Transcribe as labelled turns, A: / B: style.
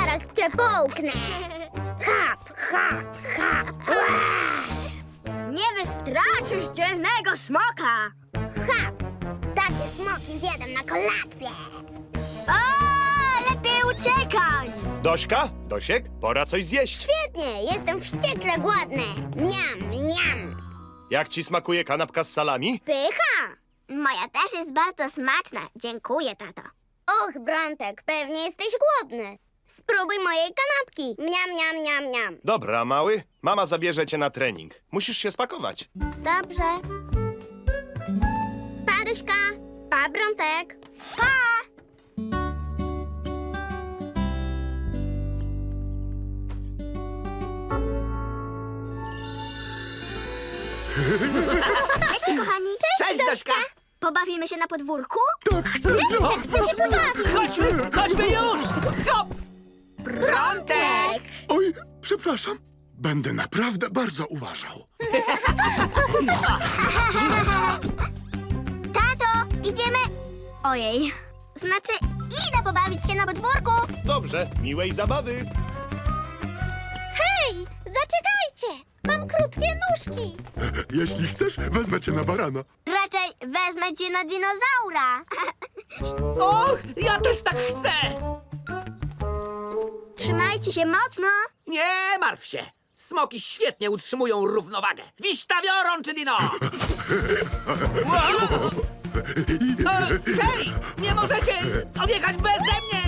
A: Zaraz cię połknę. Hap, hap, hap.
B: Nie wystraszysz dzielnego smoka!
A: Hap. Takie smoki zjadam na kolację.
B: O, lepiej uciekaj!
C: Dośka, Dosiek, pora coś zjeść.
A: Świetnie, jestem wściekle głodny. Miam, miam.
C: Jak ci smakuje kanapka z salami?
A: Pycha.
B: Moja też jest bardzo smaczna. Dziękuję, tato.
A: Och, Brątek, pewnie jesteś głodny. Spróbuj mojej kanapki. Miam, miam, miam, miam.
C: Dobra, mały, mama zabierze cię na trening. Musisz się spakować.
A: Dobrze. Pa, Duśka. Pa, Brątek.
B: Pa! Cześć, kochani.
D: Cześć, Dośka!
B: Pobawimy się na podwórku?
E: Tak, chcę!
D: Chodźmy już! Hop! Brątek!
E: Oj, przepraszam. Będę naprawdę bardzo uważał.
B: Tato, idziemy... Ojej. Znaczy, idę pobawić się na podwórku.
C: Dobrze, miłej zabawy.
B: Hej, zaczekajcie. Mam krótkie nóżki.
E: Jeśli chcesz, wezmę cię na barana.
B: Raczej wezmę cię na dinozaura.
D: Och, ja też tak chcę!
B: Trzymajcie się mocno.
D: Nie martw się! Smoki świetnie utrzymują równowagę. Wiśtawioron czy dino! Wow! Hej! Nie możecie odjechać beze mnie!